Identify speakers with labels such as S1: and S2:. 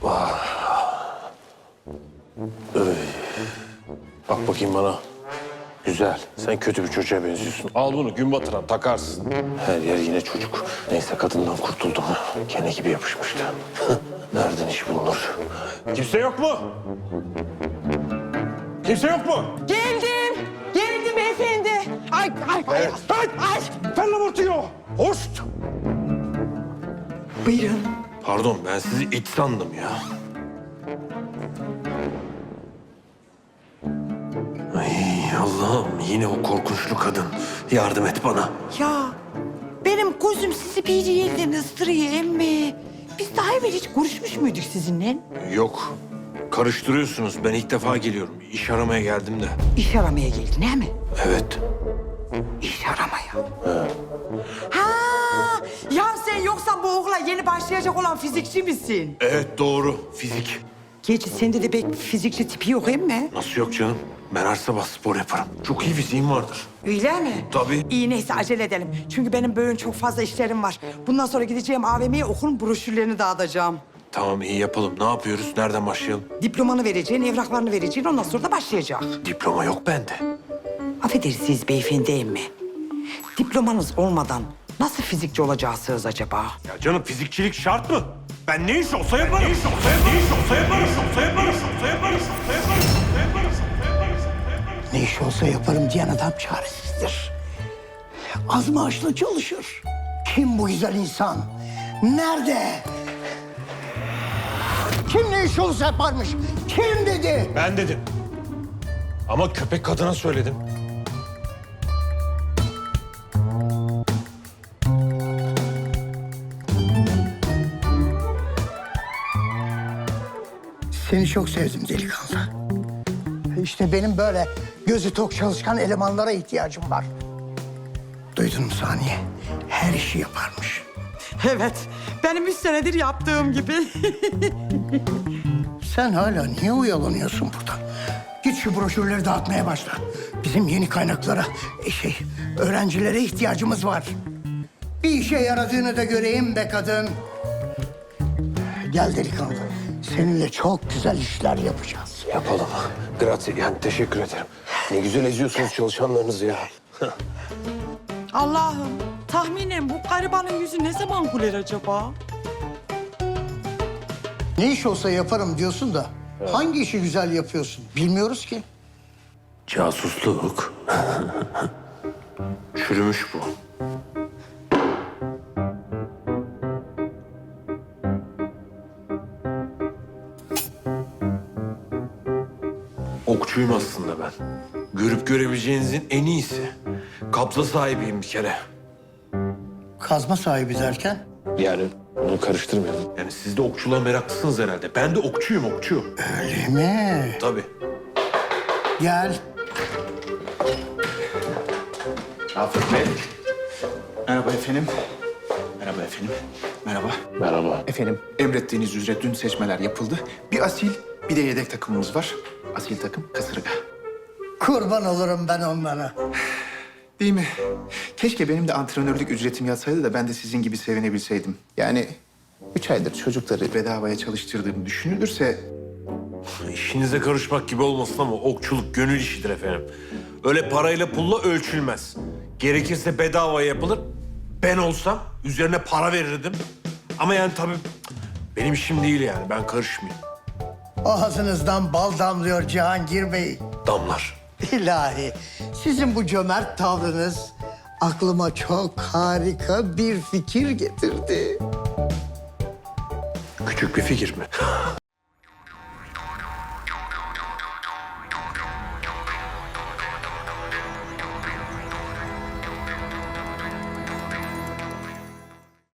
S1: Bak bakayım bana. Güzel. Sen kötü bir çocuğa benziyorsun. Al bunu gün batıran takarsın. Her yer yine çocuk. Neyse kadından kurtuldum. Kene gibi yapışmıştı. Nereden iş bulunur? Kimse yok mu? Kimse yok mu?
S2: Geldim. Geldim efendi. Ay.
S1: Fırla ortaya. Hoşt.
S2: Buyurun.
S1: Pardon ben sizi it sandım ya. Ay Allah'ım yine o korkunçlu kadın. Yardım et bana.
S2: Ya benim gözüm sizi bir yerden ıstırıyor emmi. Biz daha evvel hiç görüşmüş müydük sizinle?
S1: Yok. Karıştırıyorsunuz. Ben ilk defa geliyorum. İş aramaya geldim de.
S2: İş aramaya geldin değil mi?
S1: Evet.
S2: İş aramaya. Ha, ya sen yoksa bu okula yeni başlayacak olan fizikçi misin?
S1: Evet doğru. Fizik.
S2: Gerçi sende de pek fizikçi tipi yok mi?
S1: Nasıl yok canım? Ben her sabah spor yaparım. Çok iyi fiziğim vardır.
S2: Öyle mi?
S1: Tabii.
S2: İyi neyse acele edelim. Çünkü benim böyle çok fazla işlerim var. Bundan sonra gideceğim AVM'ye okulun broşürlerini dağıtacağım.
S1: Tamam iyi yapalım. Ne yapıyoruz? Nereden başlayalım?
S2: Diplomanı vereceksin, evraklarını vereceksin. Ondan sonra da başlayacak.
S1: Diploma yok bende.
S2: Affedersiniz beyefendi emmi. Diplomanız olmadan nasıl fizikçi olacaksınız acaba?
S1: Ya canım fizikçilik şart mı? Ben ne iş olsa yaparım. Ne iş olsa yaparım.
S3: Ne iş olsa yaparım diyen adam çaresizdir. Az maaşla çalışır. Kim bu güzel insan? Nerede? Kim ne iş olsa yaparmış? Kim dedi?
S1: Ben dedim. Ama köpek kadına söyledim.
S3: Seni çok sevdim delikanlı. İşte benim böyle gözü tok çalışkan elemanlara ihtiyacım var. Duydun mu Saniye? Her işi yaparmış.
S2: Evet, benim 3 senedir yaptığım gibi.
S3: Sen hala niye oyalanıyorsun burada? Git şu broşürleri dağıtmaya başla. Bizim yeni kaynaklara, öğrencilere ihtiyacımız var. Bir işe yaradığını da göreyim be kadın. Gel delikanlı. Seninle çok güzel işler yapacağız.
S1: Yapalım. Grazie. Yani teşekkür ederim. Ne güzel eziyorsunuz çalışanlarınızı ya.
S2: Allah'ım, tahminen bu garibanın yüzü ne zaman güler acaba?
S3: Ne iş olsa yaparım diyorsun da hangi işi güzel yapıyorsun bilmiyoruz ki.
S1: Casusluk. Çürümüş bu. Okçuyum aslında ben. Görüp görebileceğinizin en iyisi. Kapla sahibiyim bir kere.
S3: Kazma sahibi derken?
S1: Yani bunu karıştırmayalım. Yani siz de okçuluğa meraklısınız herhalde. Ben de okçuyum, okçu.
S3: Öyle mi?
S1: Tabii.
S3: Gel.
S4: Rafet Bey. Merhaba efendim. Merhaba efendim. Merhaba.
S1: Merhaba.
S4: Efendim, emrettiğiniz üzere dün seçmeler yapıldı. Bir asil, bir de yedek takımımız var. Asil takım kasırga.
S3: Kurban olurum ben onlara.
S4: Değil mi? Keşke benim de antrenörlük ücretim yatsaydı da ben de sizin gibi sevinebilseydim. Yani 3 aydır çocukları bedavaya çalıştırdığım düşünülürse...
S1: İşinize karışmak gibi olmasın ama okçuluk gönül işidir efendim. Öyle parayla pulla ölçülmez. Gerekirse bedava yapılır. Ben olsam üzerine para verirdim. Ama yani tabii benim işim değil yani. Ben karışmayayım.
S3: Ağzınızdan bal damlıyor Cihangir Bey.
S1: Damlar.
S3: İlahi, sizin bu cömert tavrınız aklıma çok harika bir fikir getirdi.
S1: Küçük bir fikir mi?